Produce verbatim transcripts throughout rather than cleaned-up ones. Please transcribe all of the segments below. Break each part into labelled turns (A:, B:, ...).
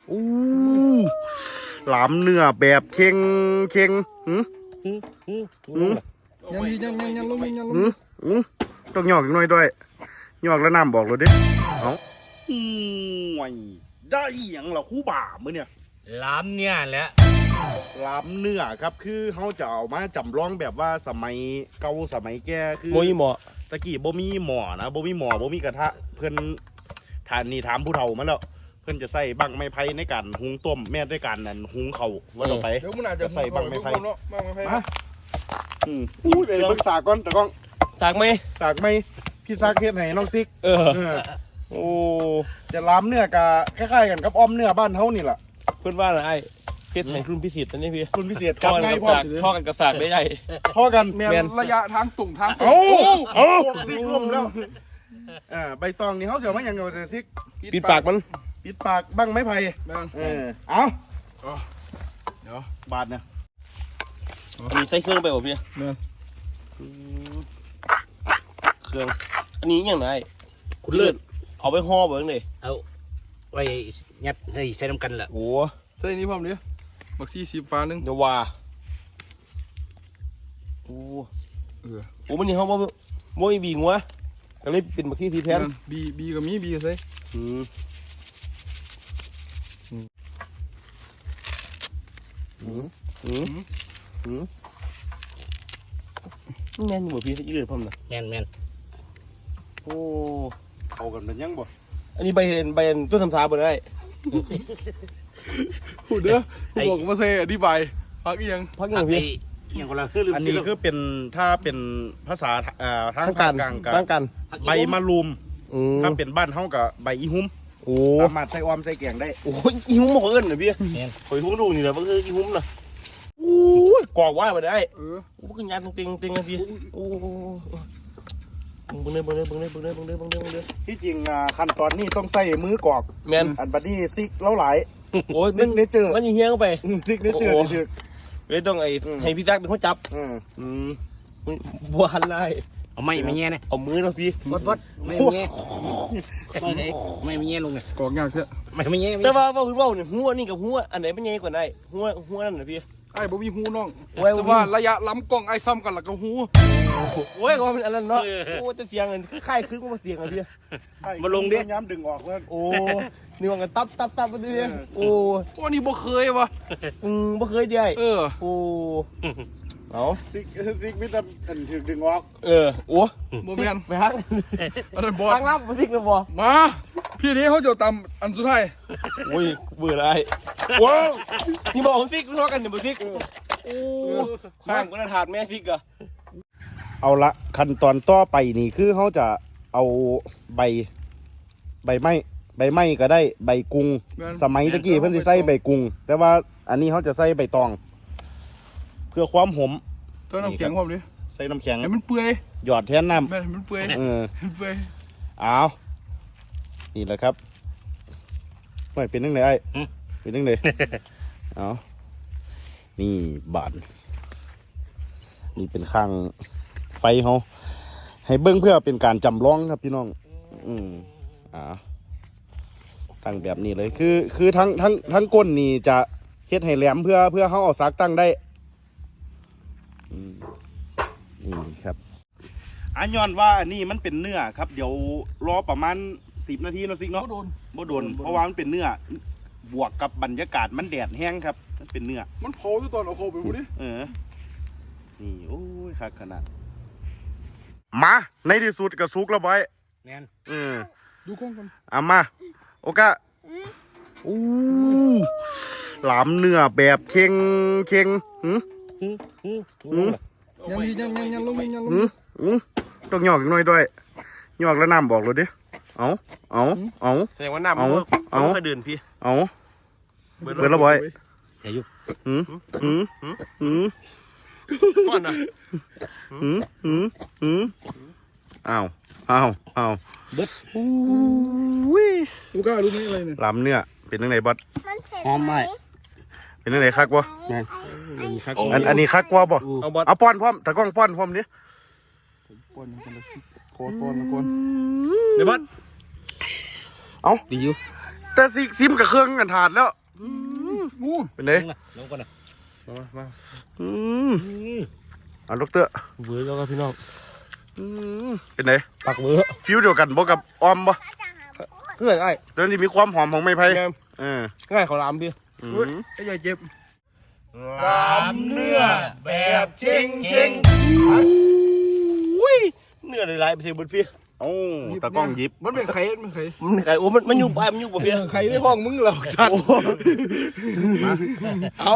A: อู้หลามเนื้อแบบเค็งเค็งหืมหืม
B: ยังยังยังยังลงยังลง
A: หืมหืมต้องหยอกอีกหน่อยด้วยหยอกแล้วน้ำบอกเลยดิเอาอืมได้อย่างเหรอคู่บ่ามือเนี่ย
C: ล้ำเนี่ยแหละ
A: ลามเนื้อครับคือเขาจะเอามาจำลองแบบว่าสมัยเก่าสมัยแก่คือ
D: โมยหมอ
A: ตะกี้บ่มีหม้อนะบ่มีหม้อบ่มีกระทะเพิ่นทานนี่ถามผู้เฒ่ามาแล้วเพิ่นจะใส่บังไม้ไผ่ในการหุงต้มแม่ด้วยการนั่นหุงข้าวว่าต่อไป
B: เดี๋ยวมันอาจจะ
A: ใส่บังไม้ไผ่
B: เนาะบังไม้ไผ่
A: มาอืมอู้เดี๋ยวเบิ่งสากก่อนตะก้อง
D: สากไหม
A: สากไหมพี่ซักเฮ็ดให้น้องซิก
D: เออ
A: เออ
D: โอ้
A: จะลามเนื้อกะคล้ายๆกันกับอ้อมเนื้อบ้านเฮานี่ล่ะ
D: เพื่อนว่าอะไรเพชรแห่งรุ่นพิเศษอันนี้พี่
A: คุณพิเศษ
D: ท่
A: กั
D: อบ กัน
A: ง่าย
D: กับ
A: พร้อ
D: สาม กท่อกันกับสากได้ใหญ่
A: พอกัน
B: แม่นระยะทางตุ่งทาง
A: เอาเอาพวกซิกร่วมแล้วอ่าใบตองนี่เฮาสิเอามาหยังเอาซิก
D: ปิดปากมัน
A: ปิดปากบังไม้ไผ่
B: แม่น
A: เออเอา
B: เดี๋ยว
A: บาทเนี่ย
D: อันนี้ใส่เครื่องไปบ่พี่
B: แม่น
D: เครื่องอันนี้อย่างไร
C: คุณเลิศ
D: เอาไปห่อเบิ้งเลย
C: เอาไว้ยัดให้ใส่น้ำกันแหละ
D: โอ้
B: ใส่นี่พร้อมดิบักซี่สิบฟ้านึง
D: เดี๋ยวว่าโอ้
B: เออ
D: โอ้มันนี่เขาบ่บ่มีบีงัวก็เลยเป็นบักที่ทีแทน
B: บีบีก็มีบีก็ใส่
D: อืมอืมอืมอืมแม่นอยู่บ่พี่อีเลือดพร้อมนะ
C: แมนแมน
D: โอ้
A: เอากันเป็นยังบ่
D: อันนี้ใบเห็นใบเห็นต้นทำสาบ่ได้
B: พูดเด้อกูบอกว่าใส่อธิบายพักอีหยัง
D: พักอ
C: อั
D: ย่าน งพี่
C: นี้ยังกำลังคือลืม
A: อัน
C: ซื้
A: นี้คือเป็นถ้าเป็นภาษาเอ่อทาง
D: ทั้ง
A: ภา
D: กั
A: คน กลางกั
D: ทั้งกัน
A: ใบมะรุม
D: อืม
A: ถ้าเป็นบ้านเฮากับใบอีหุ้ม
D: โอ้
A: สามารถใส่ออมใส่แกงได้
D: โอ้ยอีหุ้มบอกเอิ้นเหรอพี่
C: แมน
D: ข่อยหุ้มดูนี่แหละว่าคืออีหุ้มน่ะโอ้ยกอกว่ามาได้
B: เออ
D: โอ้ยงานตรงๆตรงๆนะพี่โอ้เบิ่งเด้อเบิ่งเด้อเบิ่งเด้อเบิ่งเด้อเบิ่งเด้อเบิ่งเด้อเบิ่งเด้อ
A: ที่จริงอ่าขั้นตอนนี้ต้องใส่มือกรอก
D: แมน
A: อันบัดนี้ซิกเล้าหลาย
D: โอ้ย
A: ซิกเนเจอร์
D: มันยิงเฮี้ยงเข้าไป
A: ซิกเนเจอร์
D: โอ้
A: นี่คือ
D: เลยต้องไอ้ให้พี่แจ็คเป็นคนจับ
A: อืม
D: อืมบัวหันไล่
C: เอาไม่ไม่แง่นะ
D: เอามือเนาะพี่
C: บดบดไม่แง่ไม่ได้ไม่ไม่แง่ลงไง
B: กอกยากเถอะ
C: ไม่ไม่แง่
D: แต่ว่าว่าคุณว่าเนี่ยหัวนี่กับหัวอันไหนมันใหญ่กว่าไหนหัวหัวนั่นน่ะพี่
B: ไอ้บ่มีหูน้อง
D: ไว้บ่มี
B: แต่ว่าระยะล้ำกล้องไอ้ซ้ำกันแล้วก็หู
D: โอ้ยก็มันอันนั้นเนาะโอ้จะเสียงอันคล้ายๆคือมาเสียงอ่ะพี่
C: มาลงดิ
A: ย้ำดึงออกแล้ว
D: โอ้นี่ว่ากันตับตับตับมาดิโอ้
B: โอ้นี่บ่เคยวะ
D: อืมบ่เคยได้
B: เออ
D: โอ้เอา
A: ซิกซิกมิตรอันถึงดึงออก
D: เออโอ้
B: บ่แม่น
D: ไปฮัก
B: อันนั้นบอส
D: ทางลับมาสิกเลยบ่
B: มาพี่นี้เขาจะตามอันสุดท้าย
D: โอ้ยเบื่ออะไรว้าวนี่บอกสิกทะเลาะกันเนี่ยบ่สิกโอ้ข้างก็ถาดแม่สิกอะ
A: เอาละขั้นตอนต่อไปนี่คือเขาจะเอาใบ ใบไม้ใบไม้ก็ได้ใบกุงสมัยตะกี้เพิ่นสิใส่ใบกุงแต่ว่าอันนี้เขาจะใส่ใบตอง เพื่อความหอม
B: เติมน้ำแข็งพร้อมดิ
A: ใส่น้ำแข็ง
B: ให้มันเปื่อย
A: หยอดแทนน้
B: แม่นให้มันเปื่อย
A: ำเออ
B: ให้มันเปื่อย
A: เอานี่แหละครับไม่เป็นนึงเลยไอ้เป็นนึงเลย เอานี่บานนี่เป็นข้างไฟเขาให้เบิ้งเพื่อเป็นการจำลองครับพี่น้อง อืมอ่าตั้งแบบนี้เลยคือ คือทั้งทั้งทั้งก้นนี่จะเฮ็ดให้แหลมเพื่อเพื่อเขาเอาซักตั้งได้อืมนี่ครับอันย้อนว่าอันนี้มันเป็นเนื้อครับ เดี๋ยวรอประมาณสิบนาทีเนาะซิก
B: เขา
A: เนาะ
B: โดน
A: บ่โดนเพราะว่ามันเป็นเนื้อบวกกับบรรยากาศมันแดดแห้งครับมันเป็นเนื้อ
B: มันเผาอยู่ตอนเอาเข้าไปพูดดิ
A: เออ นี่โอ้ยคักขนาดมาในที่สุดก็สุกแล้วบอย
C: แมน
A: เออ
B: ดูกล้องกัน
A: เอามาโอกะอู้หลามเนื้อแบบเค็งเค็งหืมหืม
B: ยังยังยังยังลงยังลง
A: หืมหืมต้องหยอกอีกหน่อยด้วยหยอกแล้วน้ำบอกเลยดิเอาเอาเอา
D: แสดงว่าน้ำมัน
A: เอา
D: เอา
A: เอา
D: เคยเดินพี่
A: เอาเบิดแล้วบอย
C: อย่ายุบ
A: หืมหืมหืม
D: ก่อนนะ
A: หืมหืมหืมอ้าวอ้าวอ้าว
C: เบิด
A: อุ้ย
B: กูกล้ารู้ไหมอะไรเนี่ย
A: ลำเนื้อเป็นยังไงบอส
C: หอมไหม
A: เป็นยังไงคักวะ
C: แมนนี่ครับ
A: อันอันนี้คักกว่าบ่
D: เอาบอส
A: เอาป้อนพร้อมตะกล้องป้อนพร้อมดิ
B: ป้อนกันละสิขอตอนละก่อน
D: เดี๋ยวบอส
C: ดีอยู่
A: ตแต่ซิซิมกับเครื่องกันถาดแล้ว
B: อู้
A: เป็นไง
C: ลงก่อนนะ
D: มามา
A: อืมอ่ะลูกเตอร์
D: เบื่อแล้วครับพี่น้อง
A: อืมเป็นไง
D: ปักเบื่อ
A: ฟิวเดียวกันบ่กับออมบ่
D: เพื่อนไอ้
A: แต่ที่มีความหอมของไม้ไผ่
D: แง่
A: เออ
D: ง่ายเขาลามพี่
A: อื
B: เฮ้ย
A: ม
B: ไอ้ใหญ่เจ็บ
D: ลามเนื้อแบบเก่งเก่งอุ้ยเนื้อหลายๆไปเสียบนพี่
A: เอ้าตะกล้องหยิบ
B: มันเป็นไข่มันเป็นไข่
D: มันไก่โอ้มันมันอยู่ปลายมันอยู่บ่พี่
B: ไข่ในห้องมึงเหรอสัตว์
D: เอา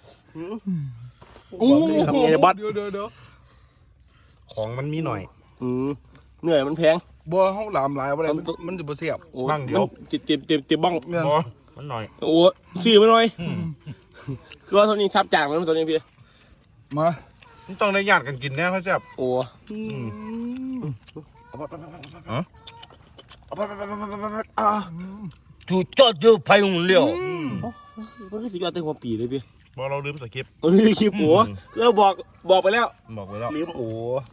B: อู้
A: ทำไงเนี่ยบอส
B: เดี๋ยวเดี๋ยวเดี๋ยว
A: ของมันมีหน่อย
D: อืมเนื้อมันแพง
B: บ่ห้องหลามหลายอะไรมันมันจะบ่เสียบ
D: โอ้
A: บ้างเดี๋ยว
D: มันติดติดติดติดบ้อง
B: เนี่ย
A: บ่มันหน่อย
D: โอ้ซื้อมาหน่อยคือว่าเท่านี้ซับจางมันตัวนี้พี่
B: มา
A: มันต้องได้ญาติกันกินแน่เขาแซ่บ
D: โอ้
C: จุดจอดอยู่พายุเลี้ยว
D: มันคือสุดยอดเต็มหัวปีเลยพี่
A: บ่เราลืมสคริปต์
D: เออคลิปโอ้ก็บอกบอกไปแล้ว
A: บอกไว้แล้ว
D: ลืมโอ้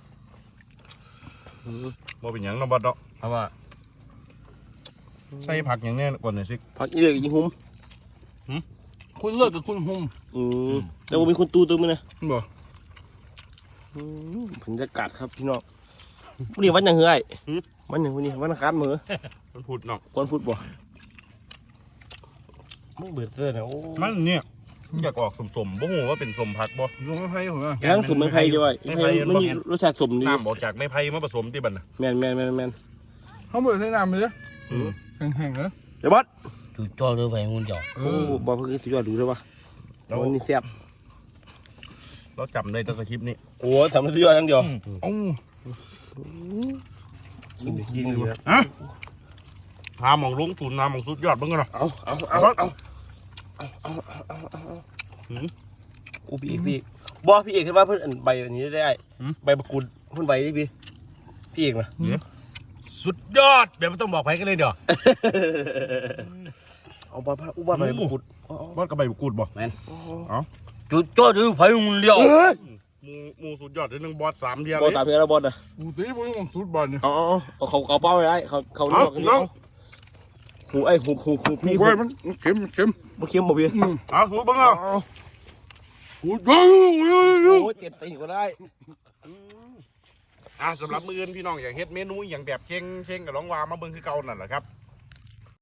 A: บ่เป็นหยังเนาะบอสเนาะ
C: เพราะว่า
A: ใส่ผักอย่างแน่ก่อนหน่อยสิ
D: พักอีเด็กยิงหุ้ม
B: คุณเลิกกับคุณหุ่ม
D: อืมแต่ว่ามีคนตูตัวมันนะ
B: บ่
D: บรรยากาศครับพี่น้องวันนี้วันยังเฮ้ยวันยังวันนี้วันอังคารมื้อ
A: มันพูดเนาะ
D: ก่อนพูดบ่ไม่เบื่อเต้นนะโอ้
A: มันเนี่ยอยากออกสมๆบ่ฮู้ว่าเป็นสมผักบ่
B: ลงไม่ไพ่ผมอ่ะ
D: ย่างสมไม่ไผ่ด้วยไม่ไผ่มันมีรสชาติสมดี
A: น้ำออกจากไม้ไผ่มาผสมที่บัดน่ะ
D: แมนแมนแมนแมน
B: เขาบ่ได้ใช้น้ำเลย
A: อืม
B: แห้งๆเหรอ
D: เดี๋ยวบอส
C: จุดจอดอยู่พายุเลี้ยว
B: เอ
D: โอ้
B: อ
D: บอกเพื่อนสุดยอดดูด้วยวะ
A: เรา
D: วันนี้แซ่บ
A: เราจำได้แต่สคริปต์นี้
D: โอ้สามสุดยอดทั้งเดียว
B: โอ้
D: กินดิกินดิ
A: ฮะหาหมองลงทุนหาหมองสุดยอดเบิ่งกันเนาะ
D: เอาเอาเอาเอาโอ้พี่เอกพี่บอพี่เอกคิดว่าเพื่อนใบอันนี้ได้ใบมะกรูดเพื่อนใบนี่พี่พี่เอกนะ
C: สุดยอดเดี๋ยวไม่ต้องบอกใครกันเลยเดี๋ยว
D: เอาบอลอุบาใบมะกรูด
A: บอสกับใบกูดบ่
C: จุดจอดอยู่พายุเลี้ยว
A: หมูหมูสุดยอดที่หนึ่งบอสสามเดียว
D: บอล
A: เลย
D: ตามเพื่อนแล้วบอลนะ
B: กูตีบ่ยังสุดบอลเนี่ย
D: เอาเอาเขาเขาเป้าไว้ไอ้เขาเขาเลือกกันนี่หูไอ้หูหูหูพี่
B: โอ้ยมันเข็มเข็ม
D: มาเคี้ยวบ่พี่
A: เอาถูกเบิ่งเอา
B: โอ้ยโอ้ย
D: โอ้เจ็บตีก็ได้
A: อ่ะสำหรับมื้ออื่นพี่น้องอยากเฮ็ดเมนูอย่างแบบเชงเชงกับน้องวามาเบิ่งคือเก่านั่นแหละครับ